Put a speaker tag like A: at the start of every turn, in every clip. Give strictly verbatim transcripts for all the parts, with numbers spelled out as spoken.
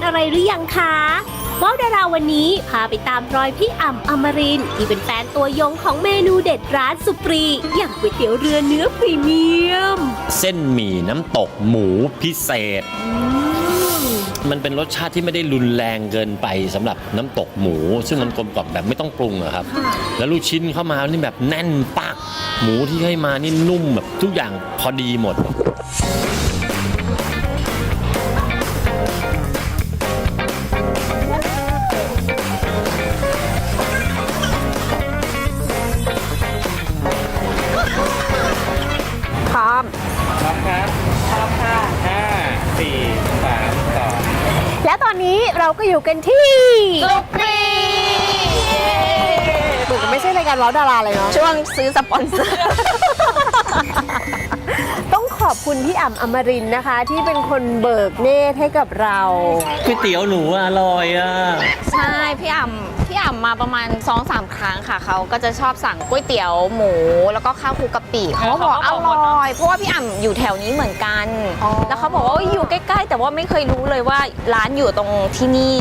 A: อะไรหรือยังคะว้าวดาราวันนี้พาไปตามรอยพี่อ่ำอมรินทร์ที่เป็นแฟนตัวยงของเมนูเด็ดร้านสุปรีอย่างก๋วยเตี๋ยวเรือเนื้อพรีเมียม
B: เส้นหมี่น้ำตกหมูพิเศษมันเป็นรสชาติที่ไม่ได้รุนแรงเกินไปสำหรับน้ำตกหมูซึ่งมันกลมกล่อมแบบไม่ต้องปรุงอะครับแล้วลูกชิ้นเข้ามานี่แบบแน่นปักหมูที่ให้มานี่นุ่มแบบทุกอย่างพอดีหมด
A: พร้อม
C: พร้อมครับพร้อมค่ะห้าสี่สามสอง
A: และตอนนี้เราก็อยู่กันที่สุปรีถูกไม่ใช่รายการว้าวดาราเลยเนาะ
D: ช่วงซื้อสปอนเซอร์
A: ต้องขอบคุณพี่อ่ำอมรินทร์นะคะ ที่เป็นคนเบิกเนตรให้กับเรา
B: ก๋วยเตี๋ยวหนูอร่อยอ่ะ
D: ใช่พี่อ่ำพี่อ่ำมาประมาณ สองสาม ครั้งค่ะเขาก็จะชอบสั่งก๋วยเตี๋ยวหมูแล้วก็ข้าวคลุกกะปิเขาบอกอร่อยเพราะว่าพี่อ่ำอยู่แถวนี้เหมือนกันแล้วเขาบอกว่าอยู่ใกล้ๆแต่ว่าไม่เคยรู้เลยว่าร้านอยู่ตรงที่นี่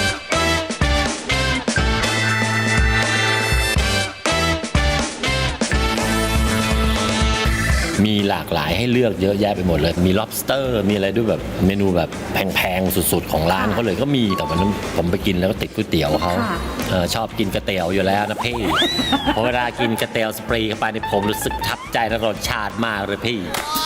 B: มีหลากหลายให้เลือกเยอะแยะไปหมดเลยมี lobster มีอะไรด้วยแบบเมนูแบบแพงๆสุดๆของร้านเขาเลยก็มีแต่วันนั้นผมไปกินแล้วก็ติดก๋วยเตี๋ยวเขาชอบกินกระเตี๋ยวอยู่แล้วนะพี่พอเวลากินกระเตี๋ยวสปรีเข้าไปในผมรู้สึกทับใจและรสชาติมากเลยพี่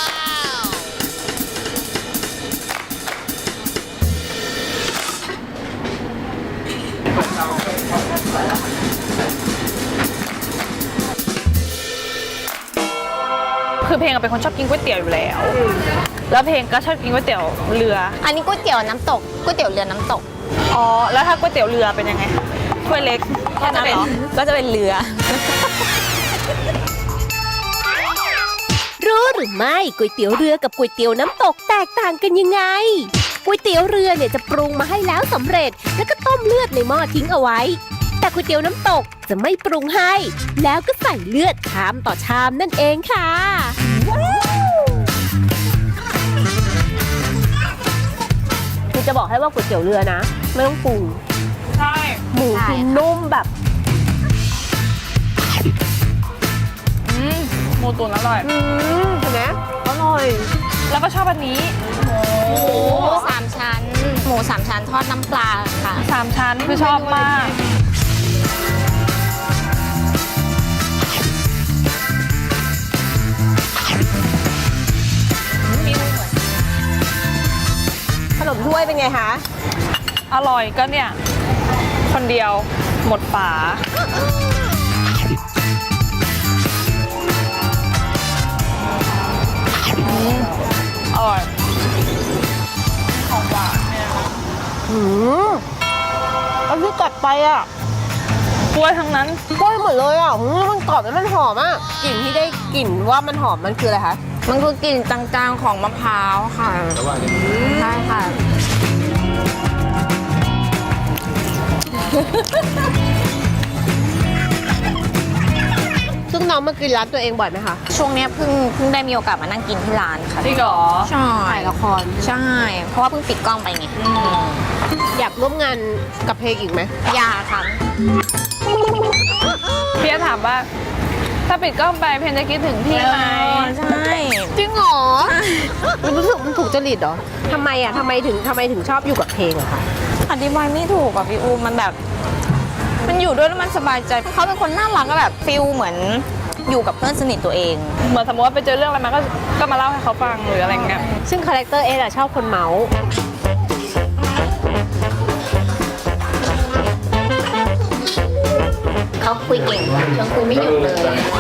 E: คือเพลงเป็นคนชอบกินก๋วยเตี๋ยวอยู่แล้วแล้วเพลงก็ชอบกินก๋วยเตี๋ยวเรือ
D: อันนี้ก๋วยเตี๋ยวน้ำตกก๋วยเตี๋ยวเรือน้ำตก
E: อ๋อแล้วถ้าก๋วยเตี๋ยวเรือเป็นยังไงถ้วยเล็กแค่นั้นเหรอ
D: ก็จะเป็นเรือ
A: รู้หรือไม่ก๋วยเตี๋ยวเรือกับก๋วยเตี๋ยวน้ำตกแตกต่างกันยังไงก๋วยเตี๋ยวเรือเนี่ยจะปรุงมาให้แล้วสำเร็จแล้วก็ต้มเลือดในหม้อทิ้งเอาไว้แต่ก๋วยเตี๋ยวน้ำตกจะไม่ปรุงให้แล้วก็ใส่เลือดชามต่อชามนั่นเองค่ะคือจะบอกให้ว่าก๋วยเตี๋ยวเรือนะไม่ต้องปรุง
E: ใช่
A: หมูคือนุ่มแบบ
E: อืมหมูตุ๋นอร่อย
A: อืมเห็นไหมอร่อย
E: แล้วก็ชอบอันนี้
D: หมูสามชั้นหมูสามชั้นทอดน้ำปลาค่ะ
E: สามชั้นคือชอบมาก
A: ขนมถ้วยเป็นไงคะ
E: อร่อยก็เนี่ยคนเดียวหมดฝาอร่อยของหวานเนี่ย
A: หืมอันที่กัดไปอ่ะ
E: กล้วยทั้งนั้น
A: กล้วยหมดเลยอ่ะมันกรอบแล้วมันหอมอ่ะกลิ่นที่ได้กลิ่นว่ามันหอมมันคืออะไรคะ
D: มันคือกลิ่นจางๆของมะพร้าวค่ะใช่ค่ะ
A: ซึ่งน้องมากินร้านตัวเองบ่อยไหมคะ
D: ช่วงนี้เพิ่งเพิ่งได้มีโอกาสมานั่งกินที่ร้านค่ะ
E: จริงเหรอ
D: ใช่
A: ถ่ายละคร
D: ใช่เพราะว่าเพิ่งปิดกล้องไปไง
A: อยากร่วมงานกับเพลงอีกไหม
D: อยากค่ะ
E: พี่จะถามว่าถ้าปิดกล้องไปเพนจะคิดถึงพี่ไหม
D: ใช่
A: จริงเหรอมันรู้สึกมันถูกจริตเหรอทำไมอ่ะทำไมถึงทำไมถึงชอบอยู่กับเพลงอะคะ
D: อธิบายไม่ถูกอ่ะพี่อูมันแบบมันอยู่ด้วยแล้วมันสบายใจเขาเป็นคนน่ารักก็แบบฟิลเหมือนอยู่กับเพื่อนสนิทตัวเอง
E: เหมือนสมมติว่าไปเจอเรื่องอะไรมาก็ก็มาเล่าให้เขาฟังหรืออะไรเงี้ย
A: ซึ่งคาแรคเตอร์เอสอะชอบคนเมาส์
D: เขาคุยเก่งชวนคุยไม่หยุดเลย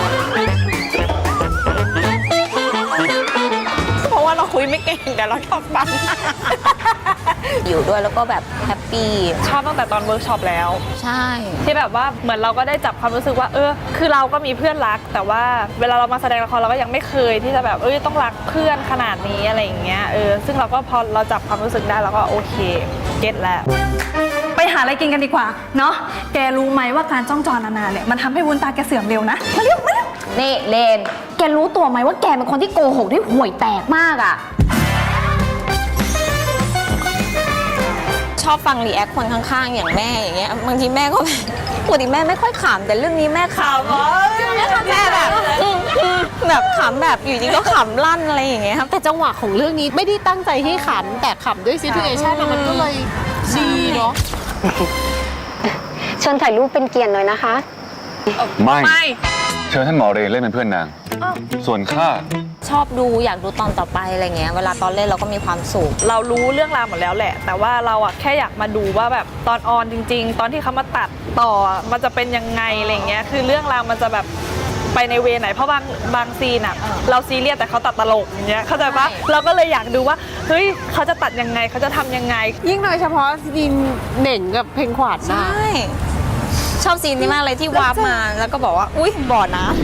D: เพราะว่าเราคุยไม่เก่งแต่เราชอบฟังอยู่ด้วยแล้วก็แบบแฮปปี้
E: ชอบตั้งแต่ตอนเวิร์กช็อปแล้ว
D: ใช่
E: ที่แบบว่าเหมือนเราก็ได้จับความรู้สึกว่าเออคือเราก็มีเพื่อนรักแต่ว่าเวลาเรามาแสดงละครเราก็ยังไม่เคยที่จะแบบเอ้ยต้องรักเพื่อนขนาดนี้อะไรอย่างเงี้ยเออซึ่งเราก็พอเราจับความรู้สึกได้เราก็โอเคเก็ตแล้ว
F: ไปหาอะไรกินกันดีกว่าเนาะแกรู้ไหมว่าการจ้องจอนานๆเนี่ยมันทำให้วุ้นตาแกเสื่อมเร็วนะมาเร็วมาเร็ว
D: นี่เลนแกรู้ตัวไหมว่าแกเป็นคนที่โกหกได้ห่วยแตกมากอ่ะชอบฟังรีแอคคนข้างๆอย่างแม่อย่างเงี้ยบางทีแม่ก็แบบปกติแม่ไม่ค่อยขำแต่เรื่องนี้แม่ขำแม่แบบอืมอืมแบบขำแบบอยู่ดีก็ขำลั่นอะไรอย่างเงี้ยครับ
A: แต่จังหวะของเรื่องนี้ไม่ได้ตั้งใจให้ขำแต่ขำด้วยซิทูเอชันมันก็เลยดีเนาะ
G: เชิญถ่ายรูปเป็นเกียรติหน่อยนะคะ
H: ไม่
E: ไม่
H: เชิญท่านหมอเรนเล่นเป็นเพื่อนนาง ส่วนข้า
D: ชอบดูอยากดูตอนต่อไปอะไรเงี้ยเวลาตอนเล่นเราก็มีความสุข
E: เรารู้เรื่องราวหมดแล้วแหละ แต่ว่าเราอะแค่อยากมาดูว่าแบบตอนออนจริง ๆ ตอนที่เขามาตัดต่อมันจะเป็นยังไงอะไรเงี้ยคือเรื่องราวมันจะแบบไปในเวไหนเพราะบางบางซีนอะเราซีเรียสแต่เขาตัดตลกอย่างเงี้ยเข้าใจปะ
D: ใช่
E: เราก็เลยอยากดูว่าเฮ้ยเขาจะตัดยังไงเขาจะทำยังไง
A: ยิ่งโดยเฉพาะซีนเหน่งกับเพลงขวาด
D: ใช
A: นะ
D: ่ชอบซีนนี้มากเลยที่วาร์ปมาแล้วก็บอกว่าอุ้ยบ่อน้ำ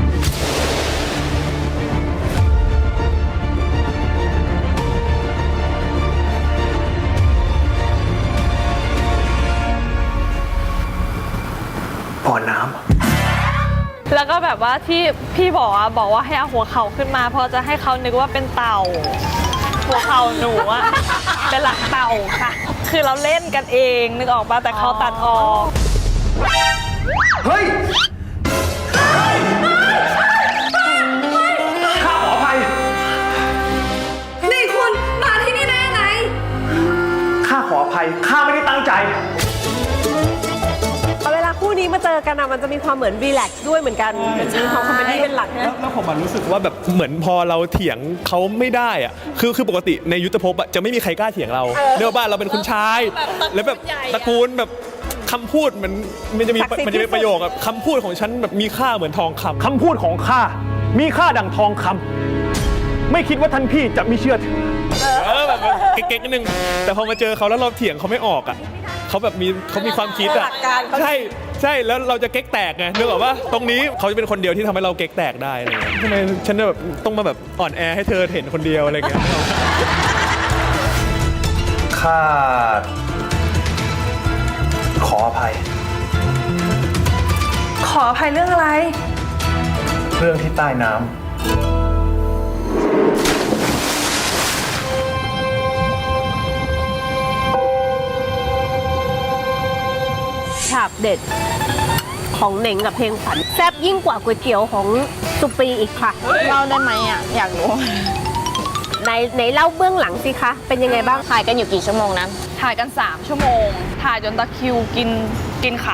C: บ่อน้
E: แล้วก็แบบว่าที่พี่บอกอะบอกว่าให้เอาหัวเข่าขึ้นมาเพราะจะให้เขานึกว่าเป็นเต่า หัวเข่าหนูอะเป็นหลักเต่าค่ะ คือเราเล่นกันเองนึกออกปะแต่เขาตัดออก
C: เฮ้ย ข้าขออภัย
F: นี่คุณมาที่นี่ได้ยังไง
C: ข้าขออภัย ข้าไม่ได้ตั้งใจ
A: เวลาคู่นี้มาเจอกันอะมันจะมีความเหมือนรีแลกซ์ด้วยเหมือนกันจะมีความคอมเมดี้เป็นหลัก
I: แล้วแล้วผมอะรู้สึกว่าแบบเหมือนพอเราเถียงเขาไม่ได้อะคือคือปกติในยุทธภพอะจะไม่มีใครกล้าเถียงเราเนื่องว่าเราเป็นคุณชาย แล้วแบบตระกูลแบบคำพูดมันมันจะมีมันจะมีประโยคแบบคำพูดของฉันแบบมีค่าเหมือนทองคำ
C: คำพูดของข้า มีค่าดั่งทองคำ ไม่คิดว่าท่านพี่จะไม่เชื่อถือ
I: เออแบบเก๊กๆนิดนึงแต่พอมาเจอเขาแล้วเราเถียงเขาไม่ออกอะเขาแบบมีเขามีความคิดอะใช่ใช่แล้วเราจะเก๊กแตกไงนึกออกว่าตรงนี้เขาจะเป็นคนเดียวที่ทำให้เราเก๊กแตกได้อะไรเงี้ยทำไมฉันแบบต้องมาแบบอ่อนแอให้เธอเห็นคนเดียวอะไรเงี้ย
C: ข้า ขออภัย
F: ขออภัยเรื่องอะไร
C: เรื่องที่ใต้น้ำ
A: ฉากเด็ดของเหน่งกับเพลงขวัญแซ่บยิ่งกว่าก๋วยเตี๋ยวของสุปีอีกค่ะ
D: เล่าได้ไหมอ่ะอยากรู้
A: ในในเล่าเบื้องหลังสิคะ เป็นยังไงบ้าง
D: ถ่ายกันอยู่กี่ชั่วโมงนะ
E: ถ่ายกัน สาม ชั่วโมง ถ่ายจนตะคริวกินกินขา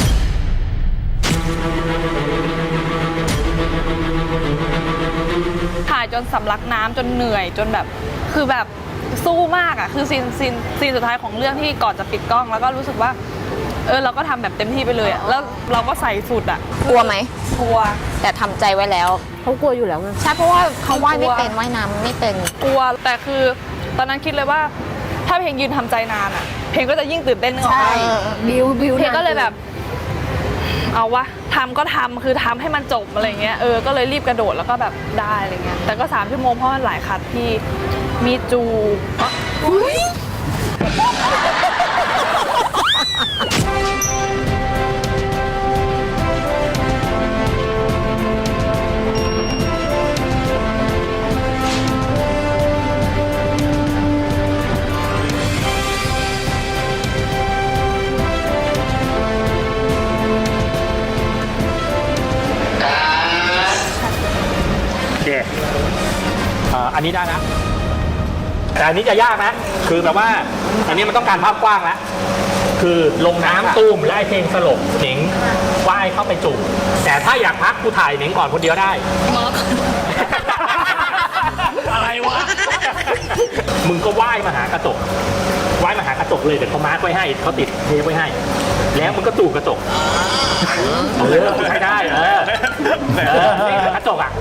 E: ถ่ายจนสำลักน้ำจนเหนื่อยจนแบบคือแบบสู้มากอ่ะคือซีนซีนซีนสุดท้ายของเรื่องที่ก่อนจะปิดกล้องแล้วก็รู้สึกว่าเออเราก็ทำแบบเต็มที่ไปเลยอ่ะแล้วเราก็ใส่สุดอ่ะ
D: กลัวไหม
E: กลัว
D: แต่ทำใจไว้แล้ว
A: เขากลัวอยู่แล้วไง
D: ใช่เพราะว่าเขาว่ายไม่เป็นว่ายน้ำไม่เป็น
E: กลัวแต่คือตอนนั้นคิดเลยว่าถ้าเพลงยืนทำใจนานอ่ะ เพลงก็จะยิ่งตื่นเต้นนึกออกไหม
A: บิวบิว
E: เพลงก็เลยแบบ เอาวะทำก็ทำคือทำให้มันจบอะไรเงี้ยเออก็เลยรีบกระโดดแล้วก็แบบได้อะไรเงี้ยแต่ก็สามชั่วโมงเพราะมันหลายคัดที่มีจู
C: โอเคเอ่ออันนี้ได้นะ แต่อันนี้จะยากนะ คือแบบว่า อันนี้มันต้องการภาพกว้างแล้ว คือลงน้ำตูมและไอ้เพลงสลบหนิงว่ายเข้าไปจุ่มแต่ถ้าอยากพักกูถ่ายหนิงก่อนคนเดียวได้ อะไรวะ มึงก็ว่ายมาหากระจกว่ายมาหากระจกเลยเดี๋ยวเขามาร์คไว้ให้เขาติดเทปไว้ให้ แล้วมึงก็จูบกระจกเออใช้ได้ เออเออนี่กระจกอ่ะ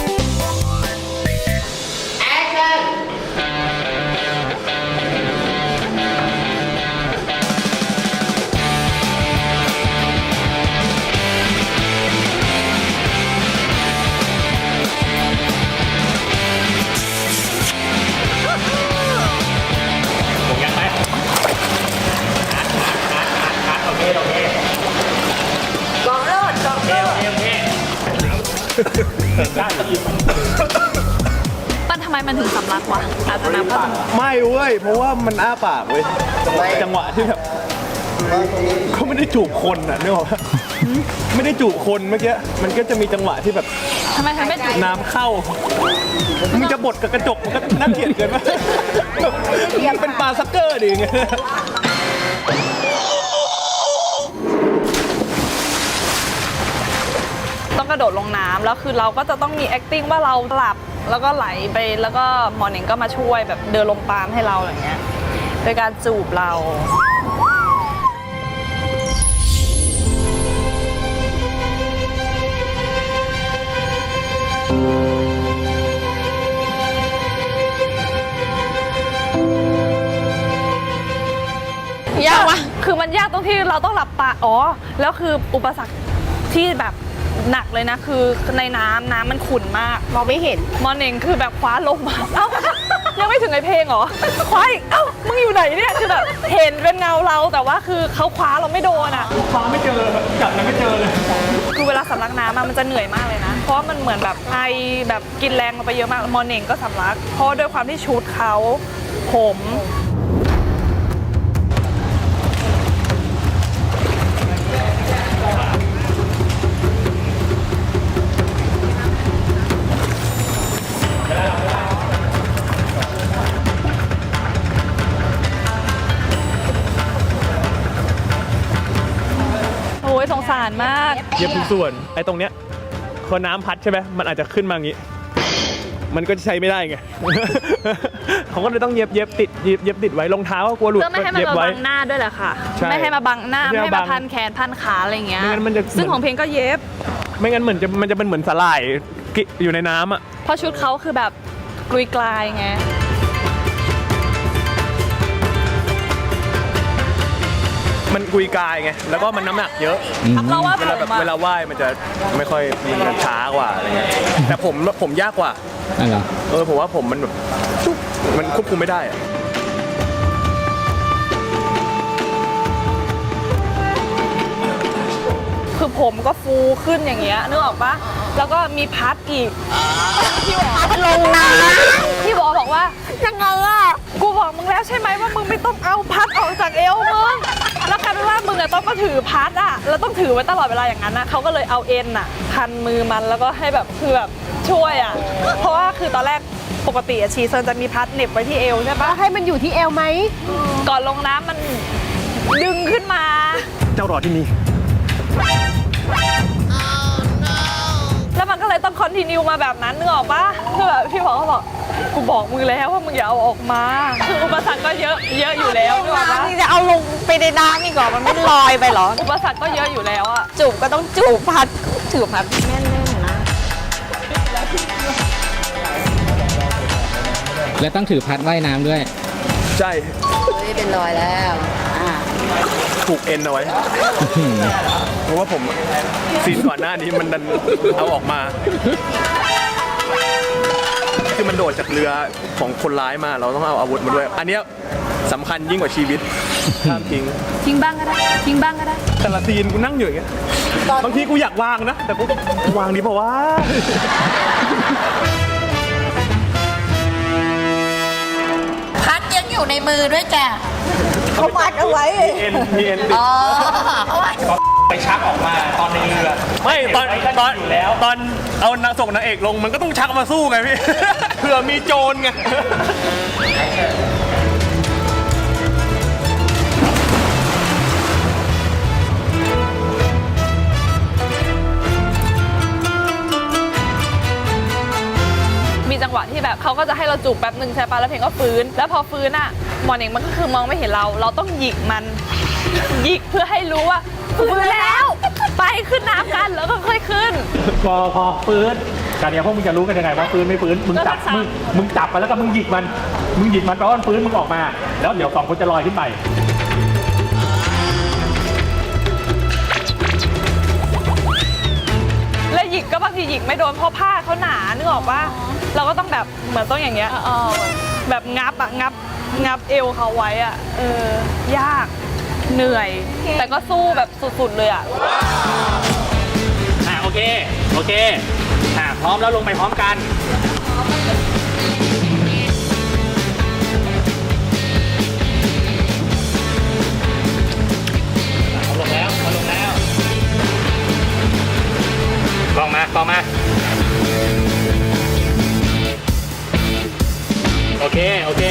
C: ผมยังไหมโอเคโอเคกองเลิศกองเลิศโอเคโอเคได้อีก
E: ปั้นทำไม
F: มันถึงสำลักวะอาจจะน้ำก็
I: ไม่เว้ย เพราะว่ามันอ้าปากเว้ย จังหวะที่แบบเขาไม่ได้จูบคนอ่ะนึกออกปะไม่ได้จูบคนเมื่อกี้ มันก็จะมีจังหวะที่แบบ
F: ทำไมถึงไม่จุด
I: น้ำเข้า มึงจะบดกับกระจกมันก็น่าเกลียดเกินไปยังเป็นปลาซักเกอร์ดิไง
E: ต้องกระโดดลงน้ำแล้วคือเราก็จะต้องมี acting ว่าเราหลับแล้วก็ไหลไปแล้วก็หมอหนิงก็มาช่วยแบบเดินลงปามให้เราอย่างเงี้ยโดยการจูบเรายากวะคือมันยากตรงที่เราต้องหลับตาอ๋อแล้วคืออุปสรรคที่แบบหนักเลยนะคือในน้ำน้ำมันขุ่นมากมองไม่เห็นมอเน่งคือแบบคว้าลงมาเอ้ายังไม่ถึงไอเพลงเหรอคว้าอีกเอ้ามึงอยู่ไหนเนี่ยคือแบบเห็นเป็นเงาเราแต่ว่าคือเขาคว้าเราไม่โดนอ่ะ
C: คว้าไม่เจอจับแล้วไม่เจอเลย
E: คือเวลาสำลักน้ำอะมันจะเหนื่อยมากเลยนะเพราะว่ามันเหมือนแบบไอแบบกินแรงลงไปเยอะมากมอเน่งก็สำลักเพราะด้วยความที่ชุดเขาผมโอ้ยสงสารมาก
I: เย็บทุกส่วน ไอ้ตรงเนี้ยพอน้ำพัดใช่ไหมมันอาจจะขึ้นมาอย่างงี้ มันก็จะใช้ไม่ได้ไง เขาก็เลยต้องเย็บเย็บติดเย็บเย็บติดไว้รองเท้าก็กลัวหลุด
E: เพื่อไม่ให้มัน
I: เย็บ
E: มา
I: ไว้
E: บังหน้าด้วยแหละค่ะ
I: ใช่
E: ไม่ให้มาบังหน้า
I: ไม่
E: ไม่
I: ให้
E: ให้
I: มา
E: มา
I: บัง
E: พันแขนพันขาอะไรอย่างเงี้ย
I: ไม่งั้นมันจะ
E: ซึ่งของเพลงก็เย็บ
I: ไม่งั้นเหมือนจะมันจะเป็นเหมือนสลายกิอยู่ในน้ำอ่ะ
E: เพราะชุดเขาคือแบบกลุยกลายไง
I: มันกุยกายไง แล้วก็มันน้ำหนักเยอะ
E: เราว่า
I: เว
E: ผ
I: ลาแบบ
E: มอะ
I: เวลาว่ายมันจะไม่ค่อยมันจะช้ากว่าอะไรเงี้ย แต่ผมผมยากกว่า
J: อะไรเหรอ
I: เออผมว่าผมมันแบบจุ๊บมันควบคุมไม่ได้อะ
E: คือผมก็ฟูขึ้นอย่างเงี้ยนึกออกปะแล้วก็มีพัดอีกพี่บอกพัดลงน้ำพี่บอกบอกว่ายังไงอะกูบอกมึงแล้วใช่ไหมว่ามึงไม่ต้องเอาพัดออกจากเอวมึงแล้วกลายเป็นว่ามึงอะต้องมาถือพัดอะแล้วต้องถือไว้ตลอดเวลาอย่างนั้นนะเขาก็เลยเอาเอ็นอะพันมือมันแล้วก็ให้แบบคือแบบช่วยอะเพราะว่าคือตอนแรกปกติอะชีเซินจะมีพัดเหน็บไว้ที่เอวใช่ปะ
A: ให้มันอยู่ที่เอวไหม
E: ก่อนลงน้ำมันดึงขึ้นมา
I: เจ้ารอที่นี่
E: แล้วมันก็เลยต้องคอนติเนียมาแบบนั้นนึกออกปะคือแบบพี่บอกเขาบอกกูบอกมึงแล้วว่ามึงอย่าเอาออกมาคืออุปสรรคก็เยอะเยอะอยู่แล้วนึกออกปะ
D: นี่จะเอาลงไปในน้ำนี่ก่อนมันไม่ลอยไปเหรอ
E: อุปสรรคก็เยอะอยู่แล้วอะ
D: จูบก็ต้องจูบพัดถือพัดแน่นๆนะ
J: และต้องถือพัดว่ายน้ำด้วย
I: ใช่
D: เฮ้ยเป็นรอยแล้วอ่า
I: ถูกเอ็นเอาไว้ เพราะว่าผมซีนก่อนหน้านี้มันดันเอาออกมา คือมันโดดจากเรือของคนร้ายมาเราต้องเอาอาวุธมาด้วย อันเนี้ยสำคัญยิ่งกว่าชีวิตห้ามทิ้ง
F: ทิ้งบ้างก็ได้ทิ้งบ้างก็ได้
I: แต่ละซีนกูนั่งอยู่อย่างเงี้ยบางทีกูอยากวางนะ แต่กูวางดีเพราะว่า
D: พัดยังอยู่ในมือด้วยจ้ะ
C: เขามัดเอาไว้มีเอ็นมีเอ็นติด
D: อ๋อ
C: ไปชักออกมาตอนในเรือ
I: ไม่ตอนตอน
C: อยู่แล้ว
I: ตอนเอานางส่งนางเอกลงมันก็ต้องชักมาสู้ไงพี่ เผื่อมีโจรไง
E: มีจังหวะที่แบบเขาก็จะให้เราจูบแป๊บหนึ่งใช่ปะแล้วเพลงก็ฟื้น แล้วพอฟื้นอะหมอนเองมันก็คือมองไม่เห็นเรา เราต้องหยิกมันหยิกเพื่อให้รู้ว่าฟื้นแล้วไปขึ้นน้ำกันแล้วก็ค่อยขึ้น
C: พอพอฟื้นการเนี้ยพวกมึงจะรู้กันยังไงว่าฟื้นไม่ฟื้นมึงจับ
E: ก็ทักษะ
C: มึงมึงจับไปแล้วก็มึงหยิกมันมึงหยิกมันแปลว่ามันฟื้นมึงออกมา แล้วเดี๋ยวสองคนจะลอยขึ้นไป
E: แล้วหยิกก็บางทีหยิกไม่โดนเพราะผ้าเขาหนานึกออกปะเราก็ต้องแบบเหมือนต้องอย่างเงี้ยแบบงับอะงับงับเอวเขาไว้อะเออยากเหนื่อย แต่ก็สู้แบบสุดๆเลยอะ
C: อ่าโอเค โอเค อ่าพร้อมแล้วลงไปพร้อมกันต่อมาโอเคโอเค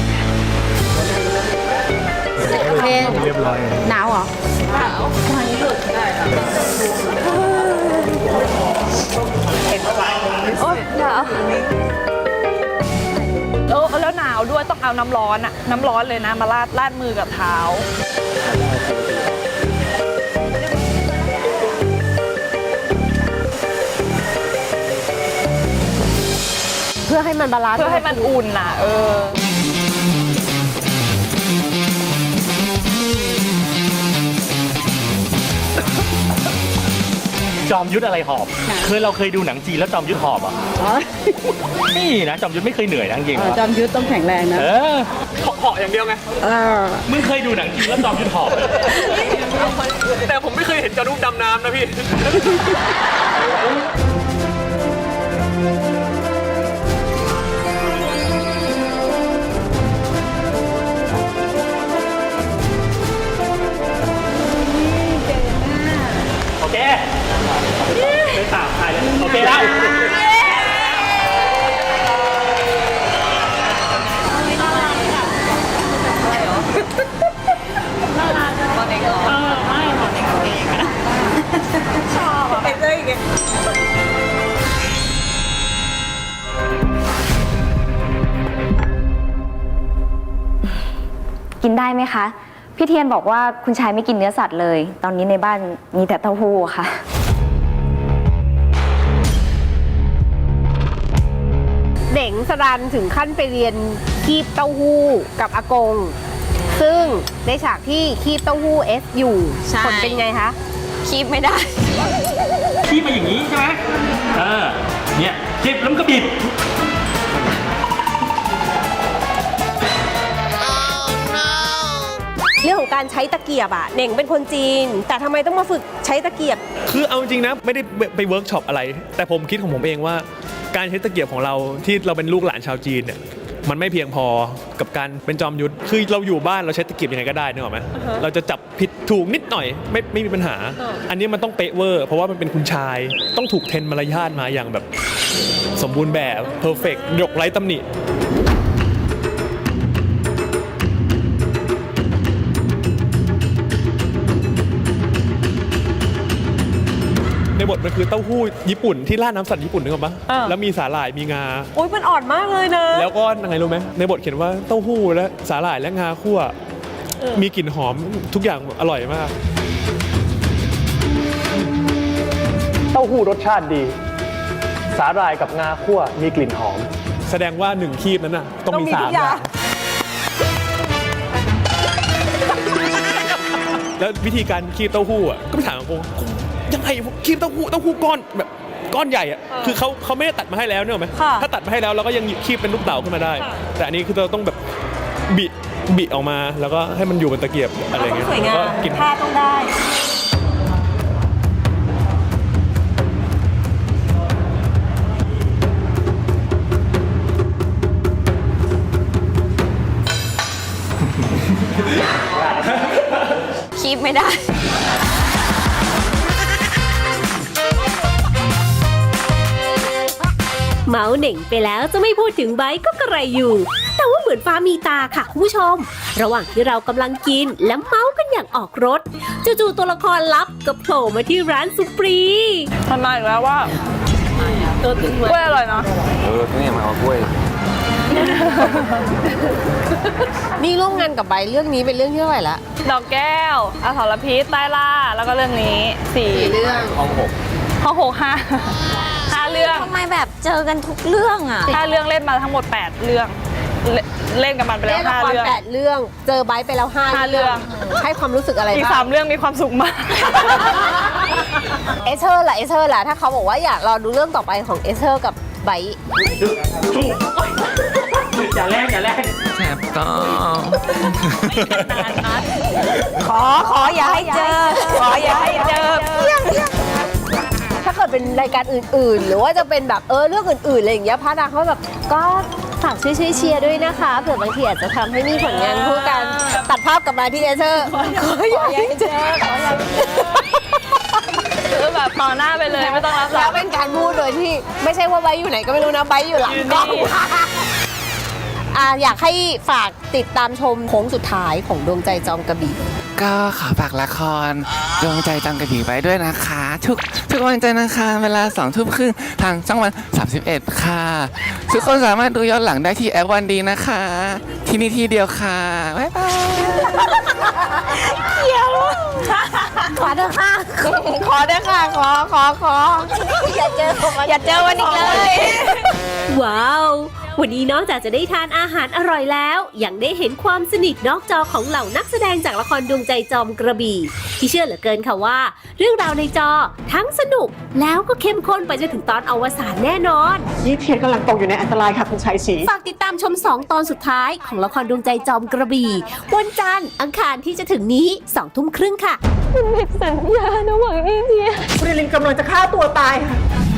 D: โอเคหนาวเหรอหนาวตอนนี้หลุดได้ค่ะโอ๊ยหนาว
E: เออแล้วหนาวด้วยต้องเอาน้ำร้อนอะน้ำร้อนเลยนะมาลาดลาดมือกับเท้า
A: เพื่อให้มันบาลานซ์
E: เพื่อให้มันอุ่นน่ะเออ
C: จอมยุทธอะไรหอบเคยเราเคยดูหนังจีนแล้วจอมยุทธหอบอ่ะนี่นะจอมยุทธไม่เคยเหนื่อยนะจริงๆ
F: จอมยุทธต้องแข็งแรงนะ
C: เออเหาะอย่างเดียวไงมึงเคยดูหนังจีนแล้วจอมยุทธหอบแต่ผมไม่เคยเห็นจอมยุทธดำน้ำนะพี่ โอเคไม่ตามใครเลยโอเคแล้ว
D: กินได้ไหมคะ พี่เทียนบอกว่าคุณชายไม่กินเนื้อสัตว์เลย ตอนนี้ในบ้านมีแต่เต้าหู้ค่ะ
A: เด่งสรันถึงขั้นไปเรียนคีบเต้าหู้กับอากง ซึ่งในฉากที่คีบเต้าหู้เอสอยู่
D: ใช่
A: ผลเป็นไงคะ
D: คีบไม่ได้
C: คีบมาอย่างนี้ใช่ไหมเออเนี่ยคีบแล้วมันก็บิด
A: เรื่องของการใช้ตะเกียบอะเน่งเป็นคนจีน แต่ทำไมต้องมาฝึกใช้ตะเกียบ
I: คือเอาจริงนะไม่ได้ไปเวิร์กช็อปอะไร แต่ผมคิดของผมเองว่าการใช้ตะเกียบของเราที่เราเป็นลูกหลานชาวจีนเนี่ยมันไม่เพียงพอกับการเป็นจอมยุทธคือเราอยู่บ้านเราใช้ตะเกียบยังไงก็ได้นึกออกไหม
A: uh-huh.
I: เราจะจับผิดถูกนิดหน่อยไม่ไม่มีปัญหา
A: uh.
I: อันนี้มันต้องเป๊ะเวอร์เพราะว่ามันเป็นคุณชายต้องถูกเทรนมารยาทมาอย่างแบบสมบูรณ์แบบเพอร์เฟกต์ยกไร้ตำหนิในบทมันคือเต้าหู้ญี่ปุ่นที่ราดน้ำสัตว์ญี่ปุ่นนึกออกปะ
A: อ่า
I: แล้วมีสาหร่ายมีงา
A: โอ๊ยมันอ่อนมากเลยนะ
I: แล้วก็ยังไงรู้ไหมในบทเขียนว่าเต้าหู้และสาหร่ายและงาคั่วมีกลิ่นหอมทุกอย่างอร่อยมาก
C: เต้าหู้รสชาติดี สาหร่ายกับงาคั่วมีกลิ่นหอม
I: แสดงว่าหนึ่งคีบนั้นน่ะต้องมี
A: ต้องมี
I: สา
A: ทุ
I: ม
A: ก
I: อ
A: อย่าง
I: ย่างแล้ววิธีการคีบเต้าหู้อ่ะก็ไปถามอากงยังไงคีบเต้าหู้เต้าหู้ก้อนแบบก้อนใหญ่อ่ะคือเขาเขาไม่ได้ตัดมาให้แล้วเนอะไหม
A: ค่ะ
I: ถ้าตัดมาให้แล้วเราก็ยังคีบเป็นลูกเต๋าขึ้นมาได้ แต่อันนี้คือเราต้องแบบบิบิออกมาแล้วก็ให้มันอยู่บนตะเกียบอะไรอย่างเงี้ย
A: สวยงาม
I: แล้วก็กิน
A: ท่าต้องได้
D: คีบไม่ได้
A: เมาส์เหน่งไปแล้วจะไม่พูดถึงไบร์ทก็กระไรอยู่ แต่ว่าเหมือนฟ้ามีตาค่ะคุณผู้ชม ระหว่างที่เรากำลังกินและเมาส์กันอย่างออกรถจู่ๆตัวละครลับก็โผล่มาที่ร้านสุปรี
E: มันมาอีกแล้วว่า
A: ตัวตึง
E: กล้วยอร่อยเนาะ
H: เออที่นี่มาเอากล้วย
A: นี่ร่วมงานกับไบร์ทเรื่องนี้เป็นเรื่องที่เท่าไหร่ละ
E: ดอกแก้วอสรพิษใต้ล่าแล้วก็เรื่องนี้สี่
A: เรื่อง
H: ห้องหก
E: ห้องหกห้าห้าเรื่อง
D: ทำไมแบบเจอกันทุกเรื่องอ่ะ
E: ห้าเรื่องเล่นมาทั้งหมดแปดเรื่องเล่นเล่นกับมันไปแล้
A: เล่
E: วน
A: ละ
E: ห้า
A: คร
E: เรื่อง
A: แปดเรื่อง เจอไบร์ทไปแล้วห้า
E: ห้าเรื่อง
A: ให้ความรู้สึกอะไร
E: อีก
A: บ้า
E: สาง มเรื่องมีความสุขมาก
A: เอเธอร์ล่ะเอเธอร์ล่ะถ้าเขาบอกว่าอยากรอดูเรื่องต่อไปของเอเธอร์กับไบร์ท
C: อย่าแรกอย่าแรก
J: แสบก็
A: ขอขออย่าให้เจอ ขออย่าให้เจอถ้าเกิดเป็นรายการอื่นๆ หรือว่าจะเป็นแบบเออเรื่องอื่นๆอะไรอย่างเงี้ยพระนางเขาแบบก็ฝากช่วยช่วยเชียร์ด้วยนะคะเผื่อบางทีอาจจะทำให้มีผลงานคู่กันตัดภาพกลับมาที่เอเธอร์ขออย่าให้เจอขออย่าให้เจอ
E: คือแบบต่อหน้าไปเลยไม่ต้องรับหลั
A: แล้
E: ง
A: วเป็นการพูดโดยที่ไม่ใช่ว่าไบร์ทอยู่ไหนก็ไม่รู้นะไบร์ทอยู่หลังกล้อง อ่ะอยากให้ฝากติดตามชมโค้งสุดท้ายของดวงใจจอมกระบี่
K: ก็ขอฝากละครดวงใจจำกระบี่ไว้ด้วยนะคะ ทุกทุกวันจันทร์นะคะเวลาสองทุ่มครึ่งทางช่องวันสามสิบเอ็ดค่ะ ทุกคนสามารถดูย้อนหลังได้ที่แอปวันดีนะคะ ที่นี่ที่เดียวค่ะ บ๊ายบาย
A: ขอเถอะค่ะ
D: ขอเด้อค่ะขอขอขอ
A: อย่าเจอผม
D: อย่าเจอวันอีกเลย
A: ว้าว วันนี้นอกจากจะได้ทานอาหารอร่อยแล้ว ยังได้เห็นความสนิทนอกจอของเหล่านักแสดงจากละครดวงใจจอมกระบี่ ที่เชื่อเหลือเกินค่ะว่า เรื่องราวในจอทั้งสนุกแล้วก็เข้มข้นไปจนถึงตอนอวสานแน่นอน
L: ยี่เทียนกำลังตกอยู่ในอันตรายค่ะคุณชัยศรี
A: ฝากติดตามชมสองตอนสุดท้ายของละครดวงใจจอมกระบี่วันจันทร์อังคารที่จะถึงนี้สองทุ่มครึ่งค่ะ
L: คุณลินกำลังจะฆ่าตัวตายค่ะ